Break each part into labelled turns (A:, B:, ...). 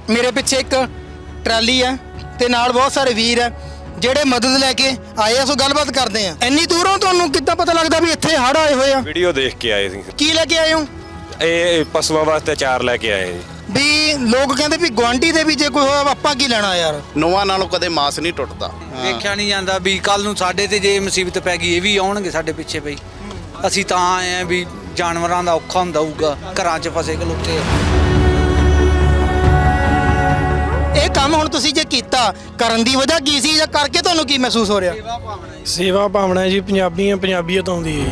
A: मेरे पिछे एक ट्राली है ते नाल बहुत सारे वीर है ਜਿਹੜੇ ਮਦਦ ਲੈ ਕੇ ਆਏ ਆ। ਸੋ ਗੱਲਬਾਤ ਕਰਦੇ ਆ। ਇੰਨੀ ਦੂਰੋਂ ਤੁਹਾਨੂੰ ਕਿੱਦਾਂ ਪਤਾ ਲੱਗਦਾ ਵੀ ਇੱਥੇ ਹੜ੍ਹ ਆਏ ਹੋਏ ਆ?
B: ਵੀਡੀਓ ਦੇਖ ਕੇ ਆਏ ਸੀ।
A: ਕੀ ਲੈ ਕੇ ਆਏ ਹੋ?
B: ਇਹ ਪਸ਼ੂਆਂ ਵਾਸਤੇ ਚਾਰ ਲੈ ਕੇ ਆਏ ਜੀ।
A: ਵੀ ਲੋਕ ਕਹਿੰਦੇ ਵੀ ਗੁਆਂਢੀ ਦੇ ਵੀ ਜੇ ਕੋਈ ਹੋਇਆ ਆਪਾਂ ਕੀ ਲੈਣਾ ਯਾਰ।
C: ਨੋਆਂ ਨਾਲੋਂ ਕਦੇ ਮਾਸ ਨਹੀਂ ਟੁੱਟਦਾ।
D: ਵੇਖਿਆ ਨਹੀਂ ਜਾਂਦਾ ਵੀ ਕੱਲ ਨੂੰ ਸਾਡੇ ਤੇ ਜੇ ਮੁਸੀਬਤ ਪੈ ਗਈ ਇਹ ਵੀ ਆਉਣਗੇ ਸਾਡੇ ਪਿੱਛੇ ਬਈ। ਅਸੀਂ ਤਾਂ ਆਏ ਆ ਵੀ ਜਾਨਵਰਾਂ ਦਾ ਔਖਾ ਹੁੰਦਾ ਹੋਊਗਾ, ਘਰਾਂ 'ਚ ਫਸੇ ਖਲੋਤੇ।
A: ਇਹ ਕੰਮ ਹੁਣ ਤੁਸੀਂ ਜੇ ਕੀਤਾ ਕਰਨ ਦੀ ਵਜ੍ਹਾ ਕੀ ਸੀ ਜਾਂ ਕਰਕੇ ਤੁਹਾਨੂੰ ਕੀ ਮਹਿਸੂਸ ਹੋ ਰਿਹਾ?
E: ਸੇਵਾ ਭਾਵਨਾ ਜੀ। ਪੰਜਾਬੀ ਆ, ਪੰਜਾਬੀਅਤ ਆਉਂਦੀ ਹੈ।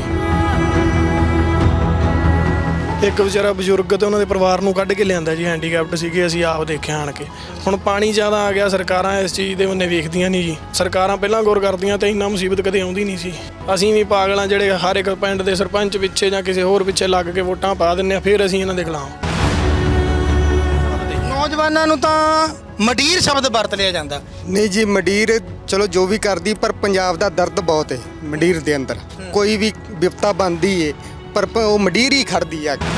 E: ਇੱਕ ਵਿਚਾਰਾ ਬਜ਼ੁਰਗ ਤੇ ਉਹਨਾਂ ਦੇ ਪਰਿਵਾਰ ਨੂੰ ਕੱਢ ਕੇ ਲਿਆਂਦਾ ਜੀ, ਹੈਂਡੀਕੈਪਟ ਸੀਗੇ, ਅਸੀਂ ਆਪ ਦੇਖਿਆ ਆਣ ਕੇ। ਹੁਣ ਪਾਣੀ ਜ਼ਿਆਦਾ ਆ ਗਿਆ, ਸਰਕਾਰਾਂ ਇਸ ਚੀਜ਼ ਦੇ ਬੰਨੇ ਵੇਖਦੀਆਂ ਨਹੀਂ ਜੀ। ਸਰਕਾਰਾਂ ਪਹਿਲਾਂ ਗੌਰ ਕਰਦੀਆਂ ਤੇ ਇੰਨਾ ਮੁਸੀਬਤ ਕਦੇ ਆਉਂਦੀ ਨਹੀਂ ਸੀ। ਅਸੀਂ ਵੀ ਪਾਗਲਾਂ ਜਿਹੜੇ ਹਰ ਇੱਕ ਪਿੰਡ ਦੇ ਸਰਪੰਚ ਪਿੱਛੇ ਜਾਂ ਕਿਸੇ ਹੋਰ ਪਿੱਛੇ ਲੱਗ ਕੇ ਵੋਟਾਂ ਪਾ ਦਿੰਦੇ ਆ, ਫਿਰ ਅਸੀਂ ਇਹਨਾਂ ਦੇ ਖਿਲਾਫ।
A: ਨੌਜਵਾਨਾਂ ਨੂੰ ਤਾਂ ਮੰਡੀਰ ਸ਼ਬਦ ਵਰਤ ਲਿਆ ਜਾਂਦਾ।
F: ਨਹੀਂ ਜੀ, ਮੰਡੀਰ ਚਲੋ ਜੋ ਵੀ ਕਰਦੀ, ਪਰ ਪੰਜਾਬ ਦਾ ਦਰਦ ਬਹੁਤ ਹੈ ਮੰਡੀਰ ਦੇ ਅੰਦਰ। ਕੋਈ ਵੀ ਵਿਪਤਾ ਬਣਦੀ ਏ ਪਰ ਉਹ ਮੰਡੀਰ ਹੀ ਖੜਦੀ ਆ।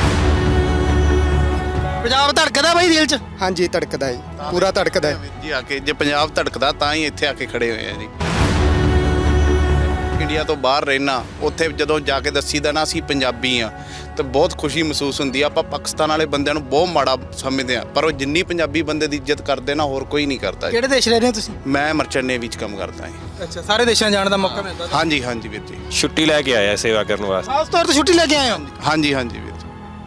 A: ਪੰਜਾਬ ਧੜਕਦਾ ਬਾਈ ਦਿਲ 'ਚ?
F: ਹਾਂਜੀ ਧੜਕਦਾ ਜੀ, ਪੂਰਾ ਧੜਕਦਾ ਹੈ
C: ਜੀ। ਆ ਕੇ ਜੇ ਪੰਜਾਬ ਧੜਕਦਾ ਤਾਂ ਹੀ ਇੱਥੇ ਆ ਕੇ ਖੜੇ ਹੋਏ ਆ ਜੀ। ਇੰਡੀਆ ਤੋਂ ਬਾਹਰ ਰਹਿਣਾ, ਉੱਥੇ ਜਦੋਂ ਜਾ ਕੇ ਦੱਸੀਦਾ ਨਾ ਅਸੀਂ ਪੰਜਾਬੀ ਆ ਤੇ ਬਹੁਤ ਖੁਸ਼ੀ ਮਹਿਸੂਸ ਹੁੰਦੀ ਆ। ਆਪਾਂ ਪਾਕਿਸਤਾਨ ਵਾਲੇ ਬੰਦਿਆਂ ਨੂੰ ਬਹੁਤ ਮਾੜਾ ਸਮਝਦੇ ਆ, ਪਰ ਉਹ ਜਿੰਨੀ ਪੰਜਾਬੀ ਬੰਦੇ ਦੀ ਇੱਜ਼ਤ ਕਰਦੇ ਨਾ ਹੋਰ ਕੋਈ ਨਹੀਂ ਕਰਦਾ।
A: ਕਿਹੜੇ ਦੇਸ਼ ਰਹਿ ਰਹੇ ਹੋ ਤੁਸੀਂ?
C: ਮੈਂ ਮਰਚੈਂਟ ਨੇਵੀ 'ਚ ਕੰਮ ਕਰਦਾ ਹਾਂ।
A: ਅੱਛਾ, ਸਾਰੇ ਦੇਸ਼ਾਂ ਜਾਣ ਦਾ ਮੌਕਾ ਮਿਲਦਾ?
C: ਹਾਂਜੀ ਹਾਂਜੀ ਵੀਰ ਜੀ।
B: ਛੁੱਟੀ ਲੈ ਕੇ ਆਇਆ ਸੇਵਾ ਕਰਨ ਵਾਸਤੇ।
A: ਖਾਸ ਤੌਰ ਤੇ ਛੁੱਟੀ ਲੈ ਕੇ ਆਏ ਹੋ?
C: ਹਾਂਜੀ ਹਾਂਜੀ ਵੀਰ ਜੀ।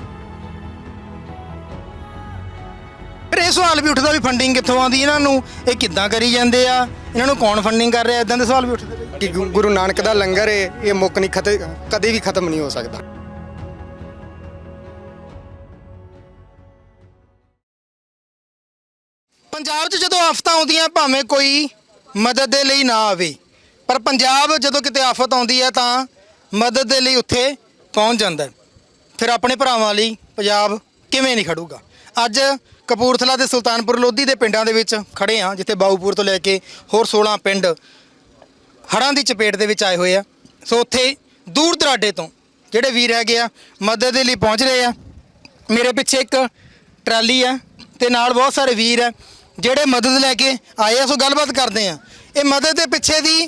A: ਫਿਰ ਇਹ ਸਵਾਲ ਵੀ ਉੱਠਦਾ ਵੀ ਫੰਡਿੰਗ ਕਿੱਥੋਂ ਆਉਂਦੀ ਇਹਨਾਂ ਨੂੰ, ਇਹ ਕਿੱਦਾਂ ਕਰੀ ਜਾਂਦੇ ਆ, ਇਹਨਾਂ ਨੂੰ ਕੌਣ ਫੰਡਿੰਗ ਕਰ ਰਿਹਾ? ਇਦਾਂ ਦੇ ਸਵਾਲ ਵੀ ਉੱਠਦੇ ਬਈ।
F: ਕਿ ਗੁਰੂ ਨਾਨਕ ਦਾ ਲੰਗਰ ਹੈ, ਇਹ ਮੁੱਕ ਨਹੀਂ ਕਦੇ ਵੀ ਖਤਮ ਨਹੀਂ ਹੋ ਸਕਦਾ।
A: ਪੰਜਾਬ 'ਚ ਜਦੋਂ ਆਫਤਾਂ ਆਉਂਦੀਆਂ ਭਾਵੇਂ ਕੋਈ ਮਦਦ ਦੇ ਲਈ ਨਾ ਆਵੇ, ਪਰ ਪੰਜਾਬ ਜਦੋਂ ਕਿਤੇ ਆਫਤ ਆਉਂਦੀ ਹੈ ਤਾਂ ਮਦਦ ਦੇ ਲਈ ਉੱਥੇ ਪਹੁੰਚ ਜਾਂਦਾ ਹੈ। ਫਿਰ ਆਪਣੇ ਭਰਾਵਾਂ ਲਈ ਪੰਜਾਬ ਕਿਵੇਂ ਨਹੀਂ ਖੜੂਗਾ। ਅੱਜ ਕਪੂਰਥਲਾ ਤੇ ਸੁਲਤਾਨਪੁਰ ਲੋਧੀ ਦੇ ਪਿੰਡਾਂ ਦੇ ਵਿੱਚ ਖੜੇ ਹਾਂ, ਜਿੱਥੇ ਬਾਊਪੁਰ ਤੋਂ ਲੈ ਕੇ ਹੋਰ 16 ਪਿੰਡ ਹੜ੍ਹਾਂ ਦੀ ਚਪੇਟ ਦੇ ਵਿੱਚ ਆਏ ਹੋਏ ਆ। ਸੋ ਉੱਥੇ ਦੂਰ ਦਰਾਡੇ ਤੋਂ ਜਿਹੜੇ ਵੀਰ ਹੈਗੇ ਆ ਮਦਦ ਦੇ ਲਈ ਪਹੁੰਚ ਰਹੇ ਆ। ਮੇਰੇ ਪਿੱਛੇ ਇੱਕ ਟਰਾਲੀ ਆ ਤੇ ਨਾਲ ਬਹੁਤ ਸਾਰੇ ਵੀਰ ਆ ਜਿਹੜੇ ਮਦਦ ਲੈ ਕੇ ਆਏ ਆ। ਸੋ ਗੱਲਬਾਤ ਕਰਦੇ ਆ ਇਹ ਮਦਦ ਦੇ ਪਿੱਛੇ ਦੀ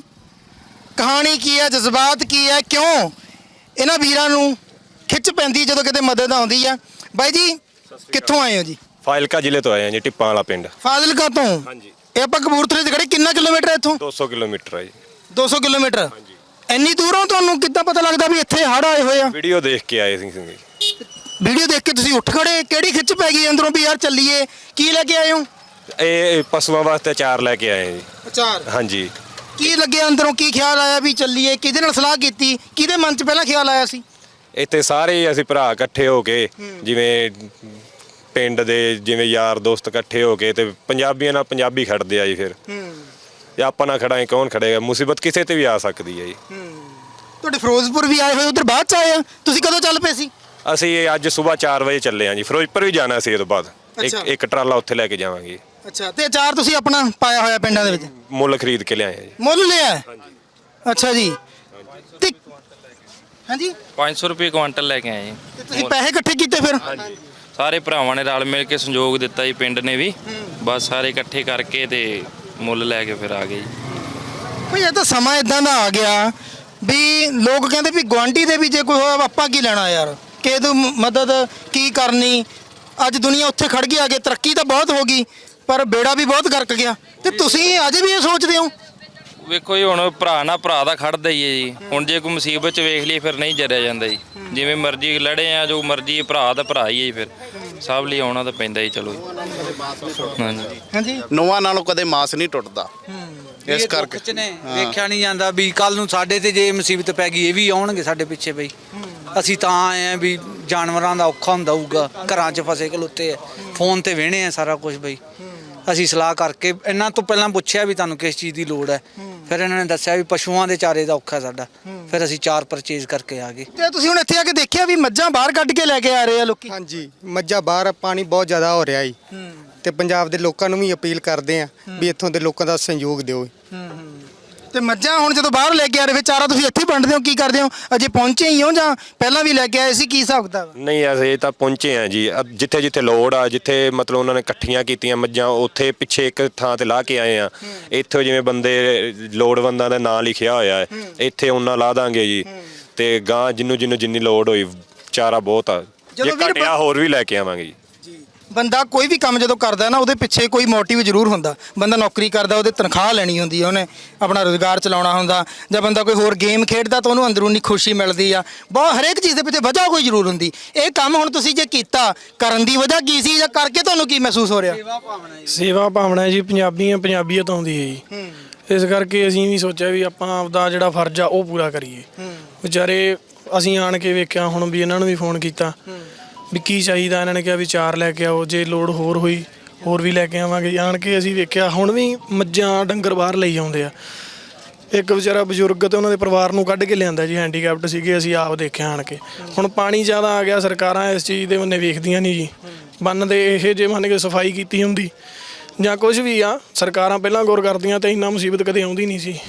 A: ਕਹਾਣੀ ਕੀ ਹੈ, ਜਜ਼ਬਾਤ ਕੀ ਹੈ, ਕਿਉਂ ਇਹਨਾਂ ਵੀਰਾਂ ਨੂੰ ਖਿੱਚ ਪੈਂਦੀ ਜਦੋਂ ਕਿਤੇ ਮਦਦ ਆਉਂਦੀ ਆ। ਬਾਈ ਜੀ ਕਿੱਥੋਂ ਆਏ ਹੋ ਜੀ?
B: ਫਾਜ਼ਿਲਕਾ ਜ਼ਿਲ੍ਹੇ ਤੋਂ ਆਏ ਆ ਜੀ, ਟਿੱਪਾਂ ਵਾਲਾ ਪਿੰਡ।
A: ਫਾਜ਼ਿਲਕਾ ਤੋਂ?
B: ਹਾਂਜੀ।
A: ਇਹ ਆਪਾਂ ਕਪੂਰਥਲੇ 'ਚ ਖੜੇ, ਕਿੰਨਾ ਕਿਲੋਮੀਟਰ ਹੈ ਇੱਥੋਂ?
B: 200 ਕਿਲੋਮੀਟਰ ਹੈ ਜੀ।
A: 200 ਕਿਲੋਮੀਟਰ?
B: ਹਾਂਜੀ।
A: ਇੰਨੀ ਦੂਰੋਂ ਤੁਹਾਨੂੰ ਕਿੱਦਾਂ ਪਤਾ ਲੱਗਦਾ ਵੀ ਇੱਥੇ ਹੜ੍ਹ ਆਏ ਹੋਏ ਆ?
B: ਵੀਡੀਓ ਦੇਖ ਕੇ ਆਏ ਸੀ।
A: ਵੀਡੀਓ ਦੇਖ ਕੇ ਤੁਸੀਂ ਉੱਠ ਖੜੇ? ਕਿਹੜੀ ਖਿੱਚ ਪੈ ਗਈ ਅੰਦਰੋਂ ਵੀ ਯਾਰ ਚੱਲੀਏ? ਕੀ ਲੈ ਕੇ ਆਏ ਹੋ?
B: ਇਹ ਪਸ਼ੂਆਂ ਵਾਸਤੇ ਚਾਰ ਲੈ ਕੇ ਆਏ ਜੀ।
A: ਅਚਾਰ?
B: ਹਾਂਜੀ।
A: ਕੀ ਲੱਗਿਆ ਅੰਦਰੋਂ, ਕੀ ਖਿਆਲ ਆਇਆ ਵੀ ਚੱਲੀਏ? ਕਿਹਦੇ ਨਾਲ ਸਲਾਹ ਕੀਤੀ? ਕਿਹਦੇ ਮਨ 'ਚ ਪਹਿਲਾਂ ਖਿਆਲ ਆਇਆ ਸੀ?
B: ਇੱਥੇ ਸਾਰੇ ਅਸੀਂ ਭਰਾ ਇਕੱਠੇ ਹੋ ਕੇ, ਜਿਵੇਂ ਪਿੰਡ ਦੇ ਜਿਵੇਂ ਯਾਰ ਦੋਸਤ ਇਕੱਠੇ ਹੋ ਕੇ ਤੇ ਪੰਜਾਬੀਆਂ ਨਾਲ ਪੰਜਾਬੀ ਖੜਦੇ ਆ ਜੀ। ਫਿਰ ਜੇ ਆਪਾਂ ਨਾ ਖੜਾਂਗੇ ਕੌਣ ਖੜੇਗਾ? ਮੁਸੀਬਤ ਕਿਸੇ ਤੇ ਵੀ ਆ ਸਕਦੀ ਹੈ ਜੀ।
A: ਤੁਹਾਡੇ ਫਿਰੋਜ਼ਪੁਰ ਵੀ ਆਏ ਹੋਏ, ਉਧਰ ਬਾਅਦ 'ਚ ਆਏ ਆ? ਤੁਸੀਂ ਕਦੋਂ ਚੱਲ ਪਏ ਸੀ?
B: ਅਸੀਂ ਅੱਜ ਸਵੇਰ 4 ਵਜੇ ਚੱਲੇ ਹਾਂ ਜੀ। ਫਿਰੋਜ਼ਪੁਰ ਵੀ ਜਾਣਾ ਸੀ, ਇਹ ਤੋਂ ਬਾਅਦ ਇੱਕ ਟਰਾਲਾ ਉੱਥੇ ਲੈ ਕੇ ਜਾਵਾਂਗੇ।
A: ਅੱਛਾ, ਤੇ ਅਚਾਰ ਤੁਸੀਂ ਆਪਣਾ ਪਾਇਆ ਹੋਇਆ ਪਿੰਡਾਂ ਦੇ ਵਿੱਚ?
B: ਮੁੱਲ ਖਰੀਦ ਕੇ ਲਿਆਏ ਆ ਜੀ।
A: ਮੁੱਲ ਲਿਆ? ਅੱਛਾ ਜੀ। ਤੇ ਹਾਂਜੀ
G: 500 ਰੁਪਏ ਕੁਆਂਟਲ ਲੈ ਕੇ ਆਏ ਜੀ।
A: ਤੇ ਤੁਸੀਂ ਪੈਸੇ ਇਕੱਠੇ ਕੀਤੇ ਫਿਰ?
G: ਸਾਰੇ ਭਰਾਵਾਂ ਨੇ ਰਲ ਮਿਲ ਕੇ ਸੰਯੋਗ ਦਿੱਤਾ ਜੀ, ਪਿੰਡ ਨੇ ਵੀ। ਬਸ ਸਾਰੇ ਇਕੱਠੇ ਕਰਕੇ ਤੇ ਮੁੱਲ ਲੈ ਕੇ ਫਿਰ ਆ ਗਏ ਜੀ।
A: ਭਈ ਇਹ ਤਾਂ ਸਮਾਂ ਇਦਾਂ ਦਾ ਆ ਗਿਆ ਵੀ ਲੋਕ ਕਹਿੰਦੇ ਵੀ ਗੁਆਂਢੀ ਦੇ ਵੀ ਜੇ ਕੋਈ ਹੋਇਆ ਆਪਾਂ ਕੀ ਲੈਣਾ ਯਾਰ, ਕਿਸੇ ਤੋਂ ਮਦਦ ਕੀ ਕਰਨੀ। ਅੱਜ ਦੁਨੀਆ ਉੱਥੇ ਖੜ ਗਈ, ਅੱਗੇ ਤਰੱਕੀ ਤਾਂ ਬਹੁਤ ਹੋ ਗਈ ਪਰ ਬੇੜਾ ਵੀ ਬਹੁਤ ਗਰਕ ਗਿਆ। ਤੇ ਤੁਸੀਂ ਅਜੇ ਵੀ ਇਹ ਸੋਚਦੇ ਹੋ?
G: ਵੇਖੋ ਜੀ, ਹੁਣ ਭਰਾ ਨਾਲ ਭਰਾ ਦਾ ਖੜਦਾ ਹੀ ਹੈ ਜੀ। ਹੁਣ ਜੇ ਕੋਈ ਮੁਸੀਬਤ 'ਚ ਵੇਖ ਲਈ ਫਿਰ ਨਹੀਂ ਜਰਿਆ ਜਾਂਦਾ ਜੀ। ਜਿਵੇਂ ਮਰਜ਼ੀ ਲੜੇ ਆ, ਜੋ ਮਰਜ਼ੀ ਭਰਾ ਦਾ ਭਰਾ ਹੀ ਹੈ ਜੀ। ਫਿਰ ਸਭ ਲਈ ਆਉਣਾ ਤਾਂ ਪੈਂਦਾ ਹੀ। ਚਲੋ ਹਾਂਜੀ
A: ਹਾਂਜੀ।
C: ਨੋਆਂ ਨਾਲੋਂ ਕਦੇ ਮਾਸ ਨਹੀਂ ਟੁੱਟਦਾ। ਇਸ ਕਰਕੇ
D: ਵੇਖਿਆ ਨਹੀਂ ਜਾਂਦਾ ਵੀ ਕੱਲ ਨੂੰ ਸਾਡੇ ਤੇ ਜੇ ਮੁਸੀਬਤ ਪੈ ਗਈ ਇਹ ਵੀ ਆਉਣਗੇ ਸਾਡੇ ਪਿੱਛੇ ਬਈ। ਅਸੀਂ ਤਾਂ ਆਏ ਆ ਵੀ ਜਾਨਵਰਾਂ ਦਾ ਔਖਾ ਹੁੰਦਾ ਹੋਊਗਾ, ਘਰਾਂ 'ਚ ਫਸੇ ਖਲੋਤੇ ਆ। ਫੋਨ ਤੇ ਵੇਹਣੇ ਆ ਸਾਰਾ ਕੁਝ ਬਈ। ਅਸੀਂ ਸਲਾਹ ਕਰਕੇ ਇਹਨਾਂ ਤੋਂ ਪਹਿਲਾਂ ਪੁੱਛਿਆ ਵੀ ਤੁਹਾਨੂੰ ਕਿਸ ਚੀਜ਼ ਦੀ ਲੋੜ ਹੈ। ਫਿਰ ਇਹਨਾਂ ਨੇ ਦੱਸਿਆ ਵੀ ਪਸ਼ੂਆਂ ਦੇ ਚਾਰੇ ਦਾ ਔਖਾ ਸਾਡਾ। ਫਿਰ ਅਸੀਂ ਚਾਰ ਪਰਚੇਜ਼ ਕਰਕੇ ਆ ਗਏ।
A: ਤੇ ਤੁਸੀਂ ਹੁਣ ਇੱਥੇ ਆ ਕੇ ਦੇਖਿਆ ਵੀ ਮੱਝਾਂ ਬਾਹਰ ਕੱਢ ਕੇ ਲੈ ਕੇ ਆ ਰਹੇ ਆ ਲੋਕੀ?
F: ਹਾਂਜੀ, ਮੱਝਾਂ ਬਾਹਰ, ਪਾਣੀ ਬਹੁਤ ਜ਼ਿਆਦਾ ਹੋ ਰਿਹਾ ਜੀ। ਤੇ ਪੰਜਾਬ ਦੇ ਲੋਕਾਂ ਨੂੰ ਵੀ ਅਪੀਲ ਕਰਦੇ ਆ ਵੀ ਇੱਥੋਂ ਦੇ ਲੋਕਾਂ ਦਾ ਸਹਿਯੋਗ ਦਿਓ।
A: ਤੇ ਮੱਝਾਂ ਹੁਣ ਜਦੋਂ ਬਾਹਰ ਲੈ ਕੇ ਆ ਰਹੇ ਚਾਰਾ ਤੁਸੀਂ ਇੱਥੇ ਵੰਡਦੇ ਹੋ, ਕੀ ਕਰਦੇ ਹੋ? ਅਜੇ ਪਹੁੰਚੇ ਹੀ ਹੋ ਜਾਂ ਪਹਿਲਾਂ ਵੀ ਲੈ ਕੇ ਆਏ ਸੀ, ਕੀ ਹਿਸਾਬ ਕਿਤਾਬ?
B: ਨਹੀਂ ਅਸੀਂ ਤਾਂ ਪਹੁੰਚੇ ਆ ਜੀ, ਜਿੱਥੇ ਜਿੱਥੇ ਲੋੜ ਆ, ਜਿੱਥੇ ਮਤਲਬ ਉਹਨਾਂ ਨੇ ਇਕੱਠੀਆਂ ਕੀਤੀਆਂ ਮੱਝਾਂ ਉੱਥੇ ਪਿੱਛੇ ਇੱਕ ਥਾਂ ਤੇ ਲਾ ਕੇ ਆਏ ਆ। ਇੱਥੇ ਜਿਵੇਂ ਬੰਦੇ ਲੋੜਵੰਦਾਂ ਦਾ ਨਾਂ ਲਿਖਿਆ ਹੋਇਆ ਹੈ, ਇੱਥੇ ਉਹਨਾਂ ਲਾ ਦਾਂਗੇ ਜੀ। ਤੇ ਗਾਂ ਜਿਹਨੂੰ ਜਿੰਨੀ ਲੋੜ ਹੋਈ ਚਾਰਾ ਬਹੁਤ ਆ, ਜੇ
A: ਜਦੋਂ ਵੀਰ
B: ਘਟਿਆ ਹੋਰ ਵੀ ਲੈ ਕੇ ਆਵਾਂਗੇ ਜੀ।
A: ਬੰਦਾ ਕੋਈ ਵੀ ਕੰਮ ਜਦੋਂ ਕਰਦਾ ਨਾ ਉਹਦੇ ਪਿੱਛੇ ਕੋਈ ਮੋਟਿਵ ਜ਼ਰੂਰ ਹੁੰਦਾ। ਬੰਦਾ ਨੌਕਰੀ ਕਰਦਾ ਉਹਦੇ ਤਨਖਾਹ ਲੈਣੀ ਹੁੰਦੀ ਹੈ, ਉਹਨੇ ਆਪਣਾ ਰੋਜ਼ਗਾਰ ਚਲਾਉਣਾ ਹੁੰਦਾ, ਜਾਂ ਬੰਦਾ ਕੋਈ ਹੋਰ ਗੇਮ ਖੇਡਦਾ ਤਾਂ ਉਹਨੂੰ ਅੰਦਰੂਨੀ ਖੁਸ਼ੀ ਮਿਲਦੀ ਆ। ਬਹੁਤ ਹਰੇਕ ਚੀਜ਼ ਦੇ ਪਿੱਛੇ ਵਜ੍ਹਾ ਕੋਈ ਜ਼ਰੂਰ ਹੁੰਦੀ। ਇਹ ਕੰਮ ਹੁਣ ਤੁਸੀਂ ਜੇ ਕੀਤਾ, ਕਰਨ ਦੀ ਵਜ੍ਹਾ ਕੀ ਸੀ ਜਾਂ ਕਰਕੇ ਤੁਹਾਨੂੰ ਕੀ ਮਹਿਸੂਸ ਹੋ ਰਿਹਾ?
E: ਸੇਵਾ ਭਾਵਨਾ ਜੀ, ਪੰਜਾਬੀਅਤ ਆਉਂਦੀ ਹੈ ਜੀ। ਇਸ ਕਰਕੇ ਅਸੀਂ ਵੀ ਸੋਚਿਆ ਵੀ ਆਪਾਂ ਆਪਦਾ ਜਿਹੜਾ ਫਰਜ਼ ਆ ਉਹ ਪੂਰਾ ਕਰੀਏ। ਵਿਚਾਰੇ ਅਸੀਂ ਆਣ ਕੇ ਵੇਖਿਆ, ਹੁਣ ਵੀ ਇਹਨਾਂ ਨੂੰ ਵੀ ਫੋਨ ਕੀਤਾ ਵੀ ਕੀ ਚਾਹੀਦਾ, ਇਹਨਾਂ ਨੇ ਕਿਹਾ ਵੀ ਚਾਰ ਲੈ ਕੇ ਆਓ, ਜੇ ਲੋੜ ਹੋਰ ਹੋਈ ਹੋਰ ਵੀ ਲੈ ਕੇ ਆਵਾਂਗੇ। ਆਣ ਕੇ ਅਸੀਂ ਵੇਖਿਆ ਹੁਣ ਵੀ ਮੱਝਾਂ ਡੰਗਰ ਬਾਹਰ ਲਈ ਆਉਂਦੇ ਆ। ਇੱਕ ਵਿਚਾਰਾ ਬਜ਼ੁਰਗ ਤੇ ਉਹਨਾਂ ਦੇ ਪਰਿਵਾਰ ਨੂੰ ਕੱਢ ਕੇ ਲਿਆਂਦਾ ਜੀ, ਹੈਂਡੀਕੈਪਟ ਸੀਗੇ, ਅਸੀਂ ਆਪ ਦੇਖਿਆ ਆਣ ਕੇ। ਹੁਣ ਪਾਣੀ ਜ਼ਿਆਦਾ ਆ ਗਿਆ, ਸਰਕਾਰਾਂ ਇਸ ਚੀਜ਼ ਦੇ ਬੰਨੇ ਵੇਖਦੀਆਂ ਨਹੀਂ ਜੀ। ਬੰਨ ਦੇ ਇਹ ਜੇ ਮੰਨ ਕੇ ਸਫਾਈ ਕੀਤੀ ਹੁੰਦੀ ਜਾਂ ਕੁਝ ਵੀ ਆ, ਸਰਕਾਰਾਂ ਪਹਿਲਾਂ ਗੌਰ ਕਰਦੀਆਂ ਤਾਂ ਇੰਨਾ ਮੁਸੀਬਤ ਕਦੇ ਆਉਂਦੀ ਨਹੀਂ ਸੀ।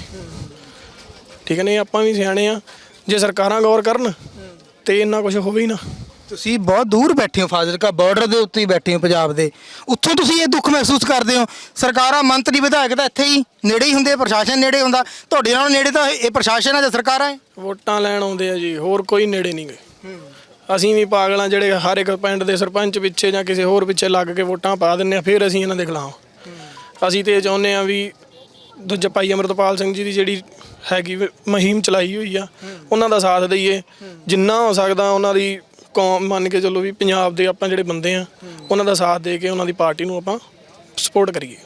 E: ਠੀਕ ਨੇ, ਆਪਾਂ ਵੀ ਸਿਆਣੇ ਆ, ਜੇ ਸਰਕਾਰਾਂ ਗੌਰ ਕਰਨ ਤੇ ਇੰਨਾ ਕੁਝ ਹੋਵੇ ਹੀ ਨਾ।
A: ਤੁਸੀਂ ਬਹੁਤ ਦੂਰ ਬੈਠੇ ਹੋ, ਫਾਜ਼ਿਲਕਾ ਬਾਰਡਰ ਦੇ ਉੱਤੇ ਹੀ ਬੈਠੇ ਹੋ ਪੰਜਾਬ ਦੇ, ਉੱਥੋਂ ਤੁਸੀਂ ਇਹ ਦੁੱਖ ਮਹਿਸੂਸ ਕਰਦੇ ਹੋ। ਸਰਕਾਰਾਂ, ਮੰਤਰੀ, ਵਿਧਾਇਕ ਤਾਂ ਇੱਥੇ ਹੀ ਨੇੜੇ ਹੀ ਹੁੰਦੇ, ਪ੍ਰਸ਼ਾਸਨ ਨੇੜੇ ਹੁੰਦਾ। ਤੁਹਾਡੇ ਨਾਲੋਂ ਨੇੜੇ ਤਾਂ ਇਹ ਪ੍ਰਸ਼ਾਸਨ ਹੈ ਜਾਂ ਸਰਕਾਰਾਂ ਹੈ?
E: ਵੋਟਾਂ ਲੈਣ ਆਉਂਦੇ ਆ ਜੀ, ਹੋਰ ਕੋਈ ਨੇੜੇ ਨਹੀਂ ਗਏ। ਅਸੀਂ ਵੀ ਪਾਗਲਾਂ ਜਿਹੜੇ ਹਰ ਇੱਕ ਪਿੰਡ ਦੇ ਸਰਪੰਚ ਪਿੱਛੇ ਜਾਂ ਕਿਸੇ ਹੋਰ ਪਿੱਛੇ ਲੱਗ ਕੇ ਵੋਟਾਂ ਪਾ ਦਿੰਦੇ ਆ, ਫਿਰ ਅਸੀਂ ਇਹਨਾਂ ਦੇ ਖਿਲਾਫ। ਅਸੀਂ ਤੇ ਚਾਹੁੰਦੇ ਆ ਵੀ ਦੂਜਾ ਭਾਈ ਅਮਰਤਪਾਲ ਸਿੰਘ ਜੀ ਦੀ ਜਿਹੜੀ ਹੈਗੀ ਮੁਹਿੰਮ ਚਲਾਈ ਹੋਈ ਆ, ਉਹਨਾਂ ਦਾ ਸਾਥ ਦਈਏ ਜਿੰਨਾ ਹੋ ਸਕਦਾ। ਉਹਨਾਂ ਦੀ ਕੌਮ ਮੰਨ ਕੇ ਚੱਲੋ ਵੀ ਪੰਜਾਬ ਦੇ ਆਪਾਂ ਜਿਹੜੇ ਬੰਦੇ ਆ, ਉਹਨਾਂ ਦਾ ਸਾਥ ਦੇ ਕੇ ਉਹਨਾਂ ਦੀ ਪਾਰਟੀ ਨੂੰ ਆਪਾਂ ਸਪੋਰਟ ਕਰੀਏ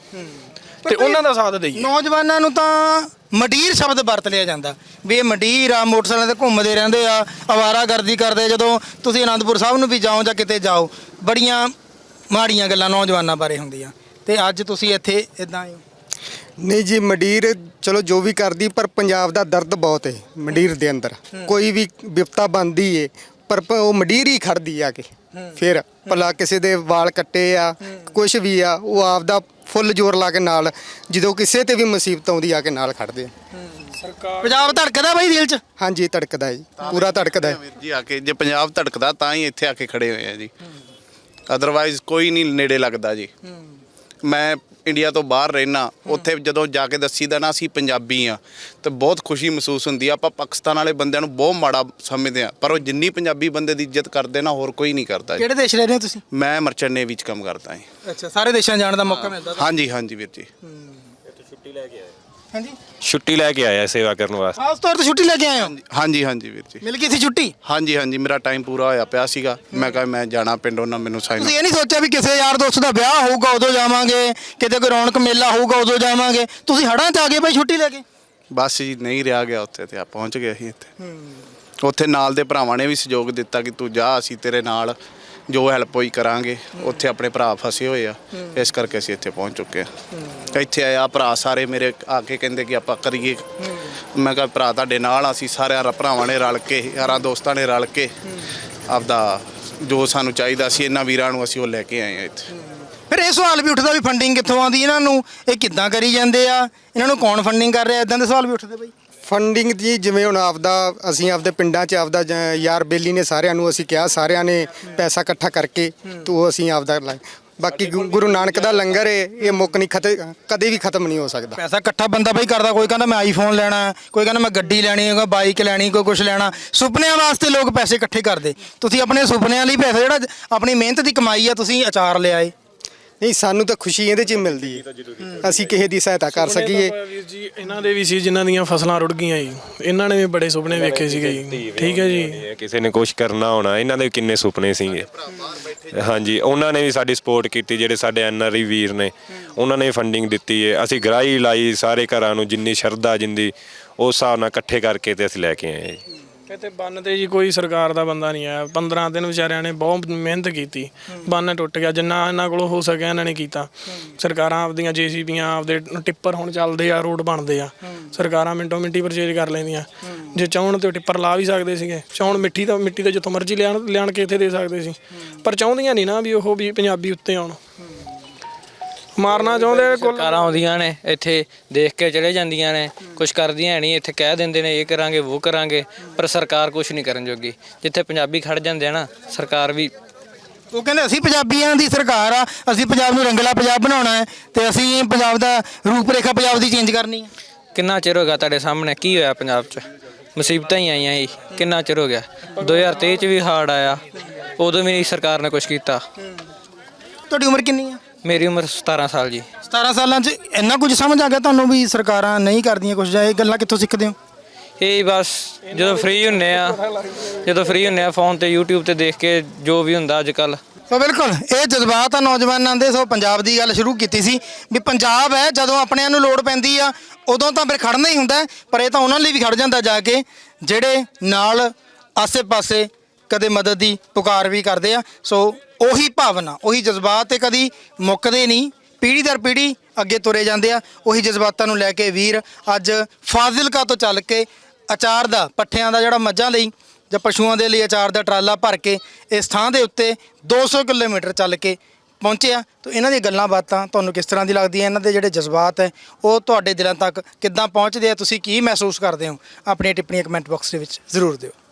E: ਤੇ ਉਹਨਾਂ ਦਾ ਸਾਥ ਦਈਏ।
A: ਨੌਜਵਾਨਾਂ ਨੂੰ ਤਾਂ ਮੰਡੀਰ ਸ਼ਬਦ ਵਰਤ ਲਿਆ ਜਾਂਦਾ ਵੀ ਇਹ ਮੰਡੀਰ ਆ, ਮੋਟਰਸਾਈਕਲਾਂ ਤੇ ਘੁੰਮਦੇ ਰਹਿੰਦੇ ਆ, ਅਵਾਰਾਗਰਦੀ ਕਰਦੇ। ਜਦੋਂ ਤੁਸੀਂ ਅਨੰਦਪੁਰ ਸਾਹਿਬ ਨੂੰ ਵੀ ਜਾਓ ਜਾਂ ਕਿਤੇ ਜਾਓ, ਬੜੀਆਂ ਮਾੜੀਆਂ ਗੱਲਾਂ ਨੌਜਵਾਨਾਂ ਬਾਰੇ ਹੁੰਦੀਆਂ, ਤੇ ਅੱਜ ਤੁਸੀਂ ਇੱਥੇ ਇਦਾਂ ਹੀ?
F: ਨਹੀਂ ਜੀ, ਮੰਡੀਰ ਚਲੋ ਜੋ ਵੀ ਕਰਦੀ, ਪਰ ਪੰਜਾਬ ਦਾ ਦਰਦ ਬਹੁਤ ਹੈ ਮੰਡੀਰ ਦੇ ਅੰਦਰ। ਕੋਈ ਵੀ ਵਿਪਤਾ ਬਣਦੀ ਏ ਪਰ ਉਹ ਮੰਡੀਰ ਹੀ ਖੜਦੀ ਆ ਕੇ। ਫਿਰ ਭਲਾ ਕਿਸੇ ਦੇ ਵਾਲ ਕੱਟੇ ਆ, ਕੁਛ ਵੀ ਆ, ਉਹ ਆਪਦਾ ਫੁੱਲ ਜ਼ੋਰ ਲਾ ਕੇ ਨਾਲ, ਜਦੋਂ ਕਿਸੇ ਤੇ ਵੀ ਮੁਸੀਬਤ ਆਉਂਦੀ ਆ ਕੇ ਨਾਲ ਖੜਦੇ ਆ।
A: ਪੰਜਾਬ ਧੜਕਦਾ ਬਾਈ ਦਿਲ 'ਚ?
F: ਹਾਂਜੀ, ਧੜਕਦਾ ਜੀ, ਪੂਰਾ ਧੜਕਦਾ ਹੈ
C: ਜੀ। ਆ ਕੇ ਜੇ ਪੰਜਾਬ ਧੜਕਦਾ ਤਾਂ ਹੀ ਇੱਥੇ ਆ ਕੇ ਖੜੇ ਹੋਏ ਆ ਜੀ, ਅਦਰਵਾਈਜ਼ ਕੋਈ ਨਹੀਂ ਨੇੜੇ ਲੱਗਦਾ ਜੀ। ਮੈਂ ਇੰਡੀਆ ਤੋਂ ਬਾਹਰ ਰਹਿਣਾ, ਉੱਥੇ ਜਦੋਂ ਜਾ ਕੇ ਦੱਸੀਦਾ ਨਾ ਅਸੀਂ ਪੰਜਾਬੀ ਆ, ਤੇ ਬਹੁਤ ਖੁਸ਼ੀ ਮਹਿਸੂਸ ਹੁੰਦੀ ਆ। ਆਪਾਂ ਪਾਕਿਸਤਾਨ ਵਾਲੇ ਬੰਦਿਆਂ ਨੂੰ ਬਹੁਤ ਮਾੜਾ ਸਮਝਦੇ ਆ, ਪਰ ਉਹ ਜਿੰਨੀ ਪੰਜਾਬੀ ਬੰਦੇ ਦੀ ਇੱਜ਼ਤ ਕਰਦੇ ਨਾ ਹੋਰ ਕੋਈ ਨਹੀਂ ਕਰਦਾ ਜੀ।
A: ਕਿਹੜੇ ਦੇਸ਼ ਰਹਿ ਰਹੇ ਹੋ ਤੁਸੀਂ?
C: ਮੈਂ ਮਰਚੈਂਟ ਨੇਵੀ 'ਚ ਕੰਮ ਕਰਦਾ ਹਾਂ।
A: ਅੱਛਾ, ਸਾਰੇ ਦੇਸ਼ਾਂ ਜਾਣ ਦਾ ਮੌਕਾ ਮਿਲਦਾ?
C: ਹਾਂਜੀ ਹਾਂਜੀ ਵੀਰ ਜੀ।
B: ਛੁੱਟੀ ਲੈ ਕੇ ਆਏ?
A: ਹਾਂਜੀ,
B: ਛੁੱਟੀ ਲੈ ਕੇ ਆਇਆ ਸੇਵਾ ਕਰਨ ਵਾਸਤੇ।
A: ਖਾਸ ਤੌਰ ਤੇ ਛੁੱਟੀ ਲੈ ਕੇ ਆਏ ਹੋ?
C: ਹਾਂਜੀ ਹਾਂਜੀ ਵੀਰ ਜੀ,
A: ਮਿਲ ਗਈ ਸੀ ਛੁੱਟੀ?
C: ਹਾਂਜੀ ਹਾਂਜੀ, ਮੇਰਾ ਟਾਈਮ ਪੂਰਾ ਹੋਇਆ ਪਿਆ ਸੀਗਾ। ਮੈਂ ਕਿਹਾ ਮੈਂ ਜਾਣਾ ਪਿੰਡ, ਉਹਨਾਂ ਮੈਨੂੰ ਸਾਈਨ।
A: ਤੁਸੀਂ ਇਹ ਨਹੀਂ ਸੋਚਿਆ ਵੀ ਕਿਸੇ ਯਾਰ ਦੋਸਤ ਦਾ ਵਿਆਹ ਹੋਊਗਾ ਉਦੋਂ ਜਾਵਾਂਗੇ, ਕਿਤੇ ਕੋਈ ਰੌਣਕ ਮੇਲਾ ਹੋਊਗਾ ਉਦੋਂ ਜਾਵਾਂਗੇ? ਤੁਸੀਂ ਹੜਾਂ 'ਚ ਆ ਗਏ ਬਾਈ ਛੁੱਟੀ ਲੈ ਕੇ?
C: ਬਸ ਜੀ, ਨਹੀਂ ਰਿਹਾ ਗਿਆ ਉੱਥੇ, ਤੇ ਆ ਪਹੁੰਚ ਗਏ ਅਸੀਂ ਇੱਥੇ। ਉੱਥੇ ਨਾਲ ਦੇ ਭਰਾਵਾਂ ਨੇ ਵੀ ਸਹਿਯੋਗ ਦਿੱਤਾ ਕਿ ਤੂੰ ਜਾ, ਅਸੀਂ ਤੇਰੇ ਨਾਲ ਜੋ ਹੈਲਪ ਹੋਈ ਕਰਾਂਗੇ। ਉੱਥੇ ਆਪਣੇ ਭਰਾ ਫਸੇ ਹੋਏ ਆ, ਇਸ ਕਰਕੇ ਅਸੀਂ ਇੱਥੇ ਪਹੁੰਚ ਚੁੱਕੇ ਆ। ਇੱਥੇ ਆਇਆ ਭਰਾ ਸਾਰੇ ਮੇਰੇ ਆ ਕੇ ਕਹਿੰਦੇ ਕਿ ਆਪਾਂ ਕਰੀਏ। ਮੈਂ ਕਿਹਾ ਭਰਾ ਤੁਹਾਡੇ ਨਾਲ, ਅਸੀਂ ਸਾਰਿਆਂ ਭਰਾਵਾਂ ਨੇ ਰਲ ਕੇ, ਯਾਰਾਂ ਦੋਸਤਾਂ ਨੇ ਰਲ ਕੇ ਆਪਦਾ ਜੋ ਸਾਨੂੰ ਚਾਹੀਦਾ ਸੀ ਇਹਨਾਂ ਵੀਰਾਂ ਨੂੰ, ਅਸੀਂ ਉਹ ਲੈ ਕੇ ਆਏ ਆ ਇੱਥੇ।
A: ਫਿਰ ਇਹ ਸਵਾਲ ਵੀ ਉੱਠਦਾ ਵੀ ਫੰਡਿੰਗ ਕਿੱਥੋਂ ਆਉਂਦੀ ਇਹਨਾਂ ਨੂੰ, ਇਹ ਕਿੱਦਾਂ ਕਰੀ ਜਾਂਦੇ ਆ, ਇਹਨਾਂ ਨੂੰ ਕੌਣ ਫੰਡਿੰਗ ਕਰ ਰਿਹਾ? ਇਦਾਂ ਦੇ ਸਵਾਲ ਵੀ ਉੱਠਦੇ ਬਾਈ।
F: ਫੰਡਿੰਗ ਜੀ, ਜਿਵੇਂ ਹੁਣ ਅਸੀਂ ਆਪਦੇ ਪਿੰਡਾਂ 'ਚ ਆਪਦਾ ਯਾਰ ਬੇਲੀ ਨੇ ਸਾਰਿਆਂ ਨੂੰ ਅਸੀਂ ਕਿਹਾ, ਸਾਰਿਆਂ ਨੇ ਪੈਸਾ ਇਕੱਠਾ ਕਰਕੇ ਤੋ ਅਸੀਂ ਆਪਦਾ ਬਾਕੀ ਗੁਰੂ ਨਾਨਕ ਦਾ ਲੰਗਰ ਹੈ, ਇਹ ਮੁੱਕ ਨਹੀਂ ਕਦੇ ਵੀ ਖਤਮ ਨਹੀਂ ਹੋ ਸਕਦਾ।
A: ਪੈਸਾ ਇਕੱਠਾ ਬੰਦਾ ਬਾਈ ਕਰਦਾ, ਕੋਈ ਕਹਿੰਦਾ ਮੈਂ ਆਈਫੋਨ ਲੈਣਾ, ਕੋਈ ਕਹਿੰਦਾ ਮੈਂ ਗੱਡੀ ਲੈਣੀ ਹੈ, ਕੋਈ ਬਾਈਕ ਲੈਣੀ, ਕੋਈ ਕੁਝ ਲੈਣਾ। ਸੁਪਨਿਆਂ ਵਾਸਤੇ ਲੋਕ ਪੈਸੇ ਇਕੱਠੇ ਕਰਦੇ। ਤੁਸੀਂ ਆਪਣੇ ਸੁਪਨਿਆਂ ਲਈ ਪੈਸਾ, ਜਿਹੜਾ ਆਪਣੀ ਮਿਹਨਤ ਦੀ ਕਮਾਈ ਆ, ਤੁਸੀਂ ਅਚਾਰ ਲਿਆਏ।
F: ਨਹੀਂ, ਸਾਨੂੰ ਤਾਂ ਖੁਸ਼ੀ ਇਹਦੇ 'ਚ ਹੀ ਮਿਲਦੀ ਹੈ, ਅਸੀਂ ਕਿਸੇ ਦੀ ਸਹਾਇਤਾ ਕਰ ਸਕੀਏ।
E: ਵੀਰ ਜੀ, ਇਹਨਾਂ ਦੇ ਵੀ ਸੀ ਜਿਨ੍ਹਾਂ ਦੀਆਂ ਫਸਲਾਂ ਰੁੜ ਗਈਆਂ ਜੀ, ਇਹਨਾਂ ਨੇ ਵੀ ਬੜੇ ਸੁਪਨੇ ਵੇਖੇ ਸੀਗੇ ਜੀ। ਠੀਕ ਹੈ ਜੀ,
B: ਕਿਸੇ ਨੇ ਕੁਝ ਕਰਨਾ ਹੋਣਾ, ਇਹਨਾਂ ਦੇ ਕਿੰਨੇ ਸੁਪਨੇ ਸੀਗੇ। ਹਾਂਜੀ, ਉਹਨਾਂ ਨੇ ਵੀ ਸਾਡੀ ਸਪੋਰਟ ਕੀਤੀ, ਜਿਹੜੇ ਸਾਡੇ ਐਨਆਰਆਈ ਵੀਰ ਨੇ, ਉਹਨਾਂ ਨੇ ਫੰਡਿੰਗ ਦਿੱਤੀ ਹੈ। ਅਸੀਂ ਗਰਾਈ ਲਾਈ ਸਾਰੇ ਘਰਾਂ ਨੂੰ, ਜਿੰਨੀ ਸ਼ਰਧਾ ਜਿੰਦੀ ਉਸ ਹਿਸਾਬ ਨਾਲ ਇਕੱਠੇ ਕਰਕੇ ਤੇ ਅਸੀਂ ਲੈ ਕੇ ਆਏ ਜੀ।
E: ਇੱਥੇ ਬੰਨ ਤੇ ਜੀ ਕੋਈ ਸਰਕਾਰ ਦਾ ਬੰਦਾ ਨਹੀਂ ਆਇਆ। 15 ਦਿਨ ਵਿਚਾਰਿਆਂ ਨੇ ਬਹੁਤ ਮਿਹਨਤ ਕੀਤੀ, ਬੰਨ ਟੁੱਟ ਗਿਆ। ਜਿੰਨਾ ਇਹਨਾਂ ਕੋਲੋਂ ਹੋ ਸਕਿਆ ਇਹਨਾਂ ਨੇ ਕੀਤਾ। ਸਰਕਾਰਾਂ ਆਪਦੀਆਂ ਜੇਸੀਬੀਆਂ, ਆਪਦੇ ਟਿੱਪਰ ਹੁਣ ਚੱਲਦੇ ਆ, ਰੋਡ ਬਣਦੇ ਆ, ਸਰਕਾਰਾਂ ਮਿੰਟੋ ਮਿੰਟੀ ਪਰਚੇਜ ਕਰ ਲੈਂਦੀਆਂ। ਜੇ ਚਾਹੁਣ ਤੇ ਟਿੱਪਰ ਲਾ ਵੀ ਸਕਦੇ ਸੀਗੇ, ਚਾਹੁਣ ਮਿੱਟੀ ਤਾਂ ਜਿੱਥੋਂ ਮਰਜ਼ੀ ਲਿਆਣ ਕੇ ਇੱਥੇ ਦੇ ਸਕਦੇ ਸੀ, ਪਰ ਚਾਹੁੰਦੀਆਂ ਨਹੀਂ ਨਾ ਵੀ ਉਹ ਵੀ ਪੰਜਾਬੀ ਉੱਤੇ ਆਉਣ। ਮਾਰਨਾ ਚਾਹੁੰਦੇ ਆ ਕੁੱਲ।
H: ਸਰਕਾਰਾਂ ਆਉਂਦੀਆਂ ਨੇ ਇੱਥੇ ਦੇਖ ਕੇ ਚਲੇ ਜਾਂਦੀਆਂ ਨੇ, ਕੁਝ ਕਰਦੀਆਂ ਨਹੀਂ। ਇੱਥੇ ਕਹਿ ਦਿੰਦੇ ਨੇ ਇਹ ਕਰਾਂਗੇ ਉਹ ਕਰਾਂਗੇ, ਪਰ ਸਰਕਾਰ ਕੁਝ ਨਹੀਂ ਕਰਨ ਜੋਗੀ। ਜਿੱਥੇ ਪੰਜਾਬੀ ਖੜ ਜਾਂਦੇ ਆ ਨਾ, ਸਰਕਾਰ ਵੀ
A: ਉਹ ਕਹਿੰਦੇ ਅਸੀਂ ਪੰਜਾਬੀਆਂ ਦੀ ਸਰਕਾਰ ਆ, ਅਸੀਂ ਪੰਜਾਬ ਨੂੰ ਰੰਗਲਾ ਪੰਜਾਬ ਬਣਾਉਣਾ ਹੈ ਤੇ ਅਸੀਂ ਪੰਜਾਬ ਦਾ ਰੂਪ ਰੇਖਾ ਪੰਜਾਬ ਦੀ ਚੇਂਜ ਕਰਨੀ ਹੈ।
H: ਕਿੰਨਾ ਚਿਰ ਹੋ ਗਿਆ ਤੁਹਾਡੇ ਸਾਹਮਣੇ ਕੀ ਹੋਇਆ ਪੰਜਾਬ 'ਚ? ਮੁਸੀਬਤਾਂ ਹੀ ਆਈਆਂ ਜੀ, ਕਿੰਨਾ ਚਿਰ ਹੋ ਗਿਆ। 2023 'ਚ ਵੀ ਹੜ੍ਹ ਆਇਆ, ਉਦੋਂ ਵੀ ਨਹੀਂ ਸਰਕਾਰ ਨੇ ਕੁਝ ਕੀਤਾ।
A: ਤੁਹਾਡੀ ਉਮਰ ਕਿੰਨੀ ਆ?
H: ਮੇਰੀ ਉਮਰ 17 ਸਾਲ ਜੀ।
A: 17 ਸਾਲਾਂ 'ਚ ਇੰਨਾ ਕੁਝ ਸਮਝ ਆ ਗਿਆ ਤੁਹਾਨੂੰ ਵੀ ਸਰਕਾਰਾਂ ਨਹੀਂ ਕਰਦੀਆਂ ਕੁਝ, ਜਾਂ ਇਹ ਗੱਲਾਂ ਕਿੱਥੋਂ ਸਿੱਖਦੇ ਹੋ?
H: ਇਹ ਬਸ ਜਦੋਂ ਫ੍ਰੀ ਹੁੰਨੇ ਆ ਫੋਨ ਤੇ YouTube ਤੇ ਦੇਖ ਕੇ ਜੋ ਵੀ ਹੁੰਦਾ ਅੱਜ ਕੱਲ੍ਹ।
A: ਸੋ ਬਿਲਕੁਲ ਇਹ ਜਜ਼ਬਾਤ ਆ ਨੌਜਵਾਨਾਂ ਦੇ। ਸੋ ਪੰਜਾਬ ਦੀ ਗੱਲ ਸ਼ੁਰੂ ਕੀਤੀ ਸੀ ਵੀ ਪੰਜਾਬ ਹੈ, ਜਦੋਂ ਆਪਣਿਆਂ ਨੂੰ ਲੋੜ ਪੈਂਦੀ ਆ ਉਦੋਂ ਤਾਂ ਫਿਰ ਖੜਨਾ ਹੀ ਹੁੰਦਾ, ਪਰ ਇਹ ਤਾਂ ਉਹਨਾਂ ਲਈ ਵੀ ਖੜ ਜਾਂਦਾ ਜਾ ਕੇ ਜਿਹੜੇ ਨਾਲ ਆਸੇ-ਪਾਸੇ ਕਦੇ ਮਦਦ ਦੀ ਪੁਕਾਰ ਵੀ ਕਰਦੇ ਆ। ਸੋ ਉਹੀ ਭਾਵਨਾ, ਉਹੀ ਜਜ਼ਬਾਤ ਤੇ ਕਦੀ ਮੁੱਕਦੇ ਨਹੀਂ, ਪੀੜ੍ਹੀ ਦਰ ਪੀੜ੍ਹੀ ਅੱਗੇ ਤੁਰੇ ਜਾਂਦੇ ਆ। ਉਹੀ ਜਜ਼ਬਾਤਾਂ ਨੂੰ ਲੈ ਕੇ ਵੀਰ ਅੱਜ ਫਾਜ਼ਿਲਕਾ ਤੋਂ ਚੱਲ ਕੇ ਅਚਾਰ ਦਾ, ਪੱਠਿਆਂ ਦਾ ਜਿਹੜਾ ਮੱਝਾਂ ਲਈ ਜਾਂ ਪਸ਼ੂਆਂ ਦੇ ਲਈ ਅਚਾਰ ਦਾ ਟਰਾਲਾ ਭਰ ਕੇ ਇਸ ਥਾਂ ਦੇ ਉੱਤੇ 200 ਕਿਲੋਮੀਟਰ ਚੱਲ ਕੇ ਪਹੁੰਚੇ ਆ। ਤਾਂ ਇਹਨਾਂ ਦੀਆਂ ਗੱਲਾਂ ਬਾਤਾਂ ਤੁਹਾਨੂੰ ਕਿਸ ਤਰ੍ਹਾਂ ਦੀ ਲੱਗਦੀਆਂ? ਇਹਨਾਂ ਦੇ ਜਿਹੜੇ ਜਜ਼ਬਾਤ ਹੈ ਉਹ ਤੁਹਾਡੇ ਦਿਲਾਂ ਤੱਕ ਕਿੱਦਾਂ ਪਹੁੰਚਦੇ ਆ? ਤੁਸੀਂ ਕੀ ਮਹਿਸੂਸ ਕਰਦੇ ਹੋ? ਆਪਣੀਆਂ ਟਿੱਪਣੀਆਂ ਕਮੈਂਟ ਬਾਕਸ ਦੇ ਵਿੱਚ ਜ਼ਰੂਰ ਦਿਓ।